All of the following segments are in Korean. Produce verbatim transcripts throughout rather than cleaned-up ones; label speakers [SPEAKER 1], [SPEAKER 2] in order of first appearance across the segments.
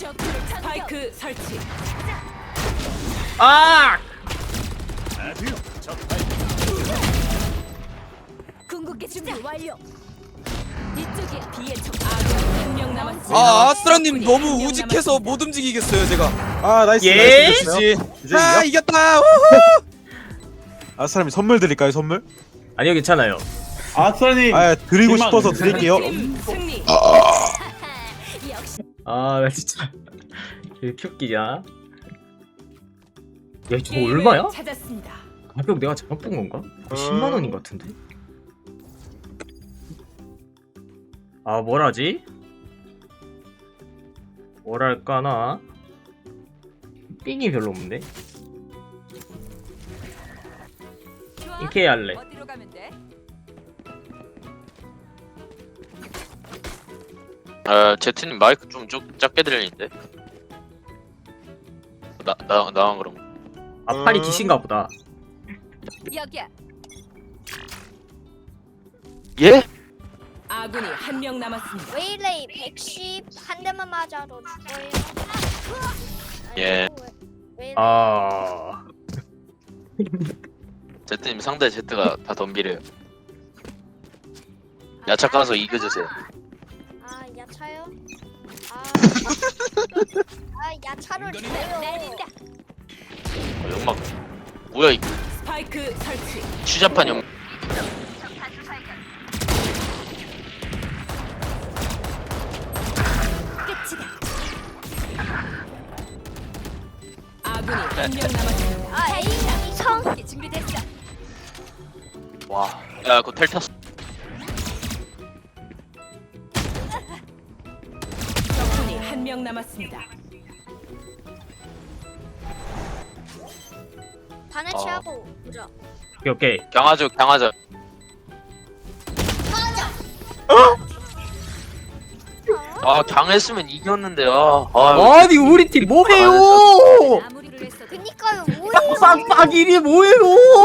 [SPEAKER 1] 스파이크 설치.
[SPEAKER 2] 아!
[SPEAKER 1] 궁극기 준비 완료. 이쪽이야. 뒤에 적 아군 한명 남았어.
[SPEAKER 3] 아 아스트라님 너무 우직해서 못 움직이겠어요 제가.
[SPEAKER 4] 아 나이스
[SPEAKER 2] 예?
[SPEAKER 4] 나이스 됐어요. 이제
[SPEAKER 3] 아
[SPEAKER 4] 이겨?
[SPEAKER 3] 이겼다. 우후!
[SPEAKER 4] 아 사람이 선물 드릴까요 선물?
[SPEAKER 2] 아니요 괜찮아요.
[SPEAKER 5] 아스라님
[SPEAKER 4] 아 드리고
[SPEAKER 5] 실망.
[SPEAKER 4] 싶어서 드릴게요.
[SPEAKER 1] 팀 승리. 역시
[SPEAKER 2] 아 나 진짜 이렇게 웃기냐? 야 저거 얼마야?
[SPEAKER 1] 찾았습니다.
[SPEAKER 2] 가격 내가 잘못 본 건가? 십만 원인 것 같은데? 아 뭘하지? 뭐랄까나 삥이 별로 없네. 이케 할래.
[SPEAKER 1] 어디로 가면 돼?
[SPEAKER 6] 아, 제트님 마이크 좀 쭉, 작게 들리는데? 나, 나, 나만 그런 거.
[SPEAKER 2] 아 팔이 기신가 보다.
[SPEAKER 1] 여기야.
[SPEAKER 6] 예?
[SPEAKER 1] 아군이 한 명 남았습니다.
[SPEAKER 7] 웨일레이 백십 한 대만 맞아도 죽어요.
[SPEAKER 6] 예.
[SPEAKER 7] 웨일레이
[SPEAKER 2] 아
[SPEAKER 6] 제트님 상대 제트가 다 덤비래요. 야차 가서 이겨주세요.
[SPEAKER 7] 아 야차요? 아, 아 야차를 줘요.
[SPEAKER 1] 날린다.
[SPEAKER 6] 어, 연막. 뭐야, 이
[SPEAKER 1] 스파이크 설치.
[SPEAKER 6] 추잡한 연막.
[SPEAKER 1] 끝이다. 아군이 한 명 남았습니다.
[SPEAKER 7] 아 에이 성.
[SPEAKER 1] 궁극기 준비됐어.
[SPEAKER 6] 와. 야, 그거 텔 탔어.
[SPEAKER 1] 적군이 한 명 남았습니다.
[SPEAKER 7] 반해치하고 보자.
[SPEAKER 2] 오케이 오케이.
[SPEAKER 6] 강하죠, 강하죠. 아, 강했으면 이겼는데, 아. 아,
[SPEAKER 2] 아니 우리 팀 뭐해요?
[SPEAKER 1] 마무리를 했어.
[SPEAKER 7] 그니까요 뭐해요?
[SPEAKER 2] 빡빡이리 뭐해요?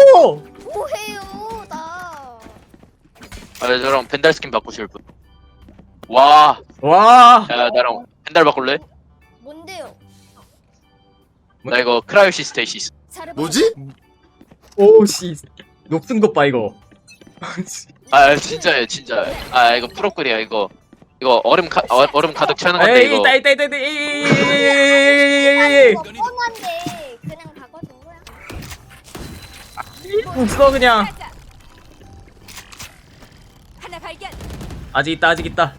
[SPEAKER 7] 뭐해요 나.
[SPEAKER 6] 아, 저랑 벤달 스킨 바꾸실 분. 와.
[SPEAKER 2] 와.
[SPEAKER 6] 야, 나랑 벤달 바꿀래?
[SPEAKER 7] 뭔데요?
[SPEAKER 6] 나 이거 크라이오시스테이시스.
[SPEAKER 3] 뭐지?
[SPEAKER 2] 오씨 높은 것 봐 이거.
[SPEAKER 6] 아, 진짜예요, 진짜. 아, 이거 프로글이야, 이거. 이거 얼음 가, 어, 얼음 가득 차는 건데,
[SPEAKER 2] 에이
[SPEAKER 6] 이거.
[SPEAKER 2] 있다 있다 있다 있다.
[SPEAKER 7] 아니
[SPEAKER 2] 에이
[SPEAKER 7] 이거 뻔한데 그냥 바꿔준 거야.
[SPEAKER 2] 웃어 그냥.
[SPEAKER 1] 가자. 하나 발견.
[SPEAKER 2] 아직 있다 아직 있다.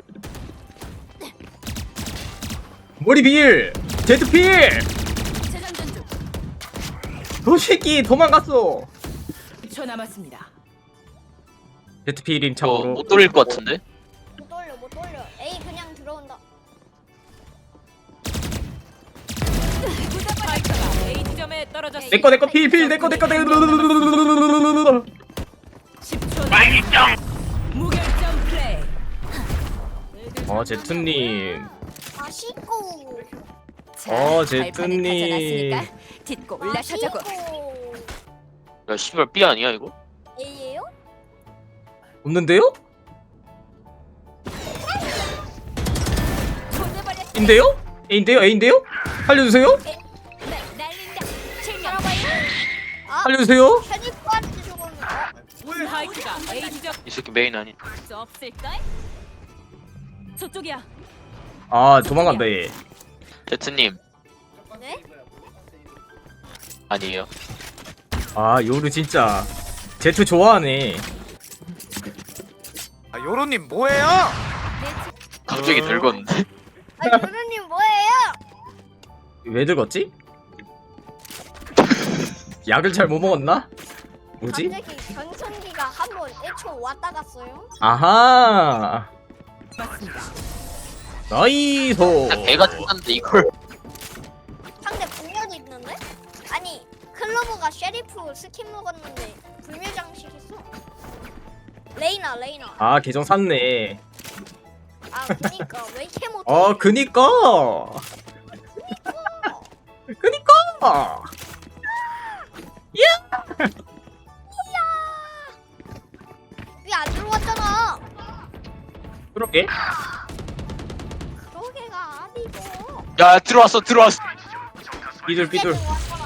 [SPEAKER 2] 머리 빌. 제트 필.
[SPEAKER 1] 재장전 중.
[SPEAKER 2] 너 새끼 도망갔어.
[SPEAKER 1] 일 초 남았습니다.
[SPEAKER 2] 제트 필인
[SPEAKER 6] 이거
[SPEAKER 2] 참고로.
[SPEAKER 6] 못 돌릴 것 같은데?
[SPEAKER 7] 못 돌려 못 돌려. 에이 그냥 들어온다.
[SPEAKER 1] 스파이크가 A 지점에 떨어졌습니다.
[SPEAKER 2] 내꺼 내꺼 필필 내꺼 내꺼 내꺼.
[SPEAKER 1] 십 초 남았습니다. 무결점 플레이.
[SPEAKER 2] 어 제트님.
[SPEAKER 7] 맛있고.
[SPEAKER 2] 어,
[SPEAKER 1] 자, 발판을
[SPEAKER 2] 제트님.
[SPEAKER 1] 가져놨으니까 딛고 올라서자고.
[SPEAKER 7] 맛있고.
[SPEAKER 6] 야, 씨발, B 아니야, 이거?
[SPEAKER 7] A예요?
[SPEAKER 2] 없는데요?
[SPEAKER 1] 보내버렸어.
[SPEAKER 2] 인데요? A인데요? A인데요? 알려주세요?
[SPEAKER 1] 날린다. 실명.
[SPEAKER 7] 아
[SPEAKER 2] 알려주세요?
[SPEAKER 7] 편입부한테 죽었네.
[SPEAKER 1] 스파이크가 A 지점
[SPEAKER 6] 이 새끼 메인 아니.
[SPEAKER 1] 수 없을까? 저쪽이야.
[SPEAKER 2] 아 도망간다 얘.
[SPEAKER 6] 제트님,
[SPEAKER 7] 네?
[SPEAKER 6] 아니에요.
[SPEAKER 2] 아 요루 진짜 제트 좋아하네.
[SPEAKER 3] 아 요로님 뭐해요?
[SPEAKER 6] 갑자기
[SPEAKER 2] 어.
[SPEAKER 6] 늙었는데?
[SPEAKER 7] 아 유루님 뭐예요?
[SPEAKER 2] 왜 늙었지? 약을 잘 못 먹었나? 뭐지?
[SPEAKER 7] 갑자기 전성기가 한 번 애초 왔다 갔어요.
[SPEAKER 2] 아하
[SPEAKER 1] 맞습니다.
[SPEAKER 2] 나이소.
[SPEAKER 6] 나 개가 죽었는데, 이걸.
[SPEAKER 7] 상대 불멸이 있는데? 아니 클로버가 셰리프 스킨 먹었는데 불멸 장식 있어. 레이나 레이나.
[SPEAKER 2] 아 계정 샀네.
[SPEAKER 7] 아 그니까 왜 이렇게 못해?
[SPEAKER 2] 아 그니까 그니까
[SPEAKER 7] 왜 안 들어왔잖아.
[SPEAKER 2] 그러게.
[SPEAKER 7] 그러게가 아니고.
[SPEAKER 6] 야 들어왔어 들어왔어.
[SPEAKER 2] 삐둘 삐둘.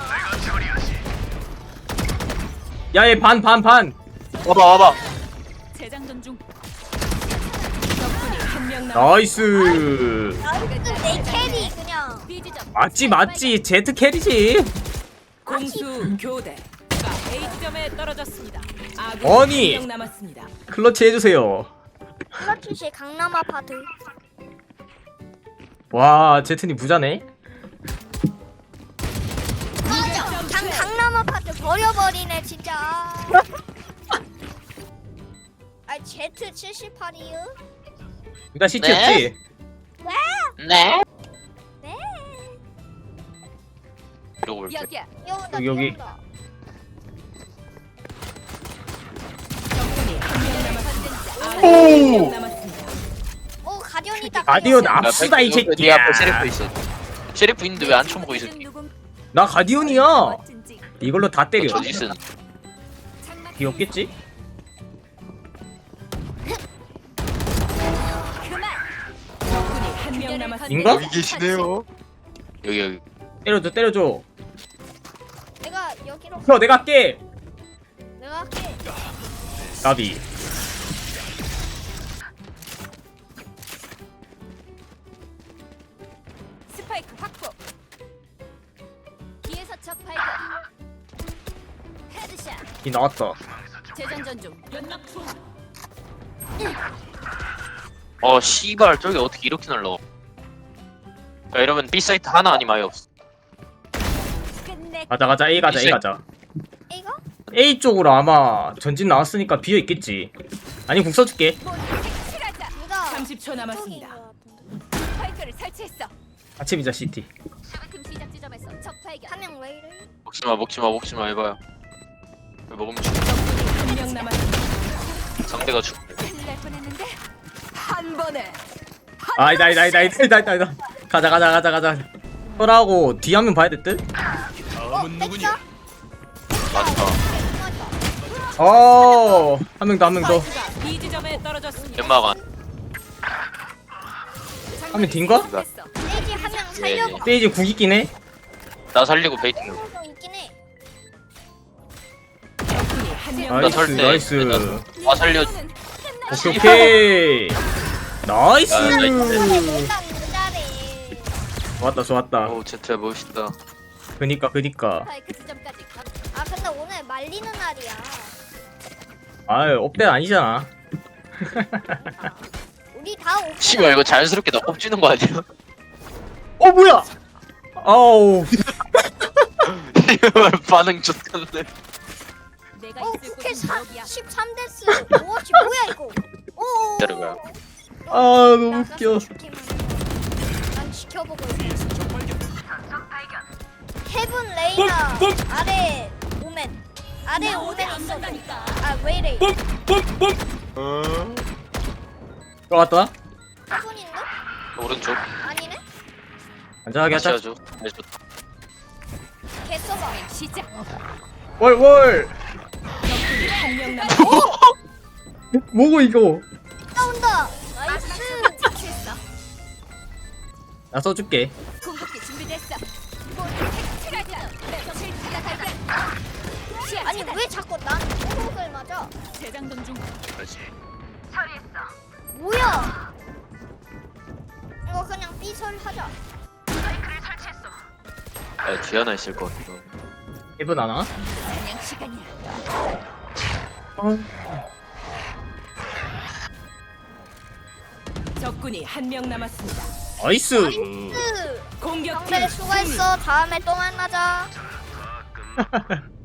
[SPEAKER 2] 야얘 반 반 반.
[SPEAKER 6] 와봐 와봐.
[SPEAKER 1] 재장전 중. 적군이 한 명 남았습니다.
[SPEAKER 2] 나이스.
[SPEAKER 7] 내 캐리 그냥.
[SPEAKER 1] B지점.
[SPEAKER 2] 맞지 맞지 제트 캐리지.
[SPEAKER 1] 공수 교대. A 지점에 떨어졌습니다. 아군
[SPEAKER 2] 아니.
[SPEAKER 1] 한 명 남았습니다.
[SPEAKER 2] 클러치 해주세요.
[SPEAKER 7] 플라티시 강남 아파트.
[SPEAKER 2] 와 제트님 부자네.
[SPEAKER 7] 강 강남 아파트 버려버리네 진짜. 아 제트 칠십팔이요?
[SPEAKER 2] 일단 시티였지.
[SPEAKER 6] 네.
[SPEAKER 7] 네.
[SPEAKER 6] 이러고 올게.
[SPEAKER 1] 여기야.
[SPEAKER 7] 여기다
[SPEAKER 2] 여기, 여기.
[SPEAKER 7] 여기다.
[SPEAKER 1] 적군이 한 명 남았습니다. 아군
[SPEAKER 2] 오!
[SPEAKER 1] 한명 남았습니다.
[SPEAKER 7] 오 가디언이다.
[SPEAKER 2] 가디언
[SPEAKER 7] 가디언.
[SPEAKER 2] 압수다 이
[SPEAKER 6] 네
[SPEAKER 2] 새끼야.
[SPEAKER 6] 앞에 셰리프 있어. 셰리프 있는데 왜 안 쳐먹어 이 새끼?
[SPEAKER 2] 나 가디언이야. 이걸로 다 때려.
[SPEAKER 6] 저지 쓴.
[SPEAKER 2] 귀엽겠지?
[SPEAKER 1] 적군이 한 명 남았습니다.
[SPEAKER 2] 인가?
[SPEAKER 3] 여기 계시네요.
[SPEAKER 6] 여기 여기.
[SPEAKER 2] 때려줘 때려줘.
[SPEAKER 7] 내가 여기로
[SPEAKER 2] 형 내가 할게.
[SPEAKER 7] 내가 할게.
[SPEAKER 2] 나비.
[SPEAKER 1] 스파이크 확보. 뒤에서 적 발견. 헤드샷.
[SPEAKER 2] 이 나왔다.
[SPEAKER 1] 재장전 중. 연막 투하.
[SPEAKER 6] 어 씨발 저기 어떻게 이렇게 날라? 야 이러면 B 사이트 하나 아니면 아예 없어.
[SPEAKER 1] 끝내.
[SPEAKER 2] 가자 가자 A 가자 A 가자.
[SPEAKER 7] 이거?
[SPEAKER 2] A 쪽으로 아마 전진 나왔으니까 비어 있겠지. 아니 궁 써줄게.
[SPEAKER 1] 칠하자.
[SPEAKER 7] 누가?
[SPEAKER 1] 삼십 초 남았습니다.
[SPEAKER 7] 쪽인 것 같은데.
[SPEAKER 1] 스파이크를 설치했어.
[SPEAKER 2] 아침이자 시티.
[SPEAKER 1] 수금 시작 지점에서 적 발견.
[SPEAKER 7] 한 명 왜 이래?
[SPEAKER 6] 먹지마 먹지마 먹지마 해봐요. 왜 먹으면 죽.
[SPEAKER 1] 한 명 남았습니다.
[SPEAKER 6] 상대가 죽.
[SPEAKER 1] 큰일 날 뻔했는데 한 번에.
[SPEAKER 2] 아이다 아이다 아이다 아이다 아이다 아이다. 가자 가자 가자 가자. 설하고 뒤 한 명 봐야 될 듯?
[SPEAKER 7] 어, 뺐어?
[SPEAKER 6] 맞다.
[SPEAKER 2] 어. 한 명 더 한 명 더.
[SPEAKER 1] 스파이크가 B 지점에 떨어졌습니다.
[SPEAKER 6] 연마간.
[SPEAKER 2] 하면 딘가?
[SPEAKER 7] 세이지 한 명
[SPEAKER 6] 예,
[SPEAKER 7] 살려고
[SPEAKER 2] 세이지 궁 있긴 해.
[SPEAKER 6] 나 살리고 베이팅.
[SPEAKER 7] 하고 있긴 해.
[SPEAKER 1] 적군이 한명
[SPEAKER 6] 나
[SPEAKER 2] 나이스
[SPEAKER 6] 설 때.
[SPEAKER 2] 나이스.
[SPEAKER 6] 나 살려.
[SPEAKER 2] 오케이 오케이. 나이스.
[SPEAKER 6] 아, 나이스.
[SPEAKER 7] 일단 잘해.
[SPEAKER 2] 좋았다 좋았다.
[SPEAKER 6] 오 제트야 멋있다.
[SPEAKER 2] 그니까 그니까.
[SPEAKER 1] 스파이크 지점까지 가.
[SPEAKER 7] 아 근데 오늘 말리는 날이야.
[SPEAKER 2] 아유 업데이트 아니잖아.
[SPEAKER 7] 우리 다 오픈.
[SPEAKER 6] 씨발 이거 자연스럽게 나 꼽지는 거 아니야?
[SPEAKER 2] 어 뭐야? 아우.
[SPEAKER 6] 이걸 반응 좋던데.
[SPEAKER 1] 내가
[SPEAKER 7] 어
[SPEAKER 1] 있을
[SPEAKER 7] 국회
[SPEAKER 1] 곳은
[SPEAKER 7] 사,
[SPEAKER 1] 여기야.
[SPEAKER 7] 십삼 데스. 오씨 뭐야 이거? 오.
[SPEAKER 6] 기다려봐요.
[SPEAKER 2] 아 너무 웃겨.
[SPEAKER 7] 난 지켜보고 있어. 헤븐 레이나 아래 오멘. 아래 오멘 있어. 아왜 이래?
[SPEAKER 2] 들어갔다.
[SPEAKER 7] 헤븐인데?
[SPEAKER 6] 오른쪽.
[SPEAKER 7] 아니네?
[SPEAKER 2] 안전하게
[SPEAKER 6] 다시
[SPEAKER 2] 하자.
[SPEAKER 6] 하죠. 네, 좋다.
[SPEAKER 7] 개 써봐.
[SPEAKER 1] 시작.
[SPEAKER 2] 월월.
[SPEAKER 1] 적군이 한명 남았습니다.
[SPEAKER 2] 뭐고 이거?
[SPEAKER 7] 나온다. 나이스.
[SPEAKER 1] 착수했어.
[SPEAKER 2] 나 써줄게.
[SPEAKER 1] 궁극기 준비됐어. 칠하자. 실타가 발견. 시야
[SPEAKER 7] 아니
[SPEAKER 1] 차단.
[SPEAKER 7] 왜 자꾸 난 호흡을 맞아?
[SPEAKER 1] 재장전 중.
[SPEAKER 7] 뭐야? 이거 그냥 삐설 하자.
[SPEAKER 6] 아, 뒤 하나 있을 것 같아.
[SPEAKER 2] 일분 하나?
[SPEAKER 1] 사냥 시간이야.
[SPEAKER 2] 어. 적군이
[SPEAKER 1] 한 명 남았습니다.
[SPEAKER 2] 나이스.
[SPEAKER 7] 으,
[SPEAKER 1] 공격팀
[SPEAKER 7] 정배 수고했어. 다음에 또 만나자.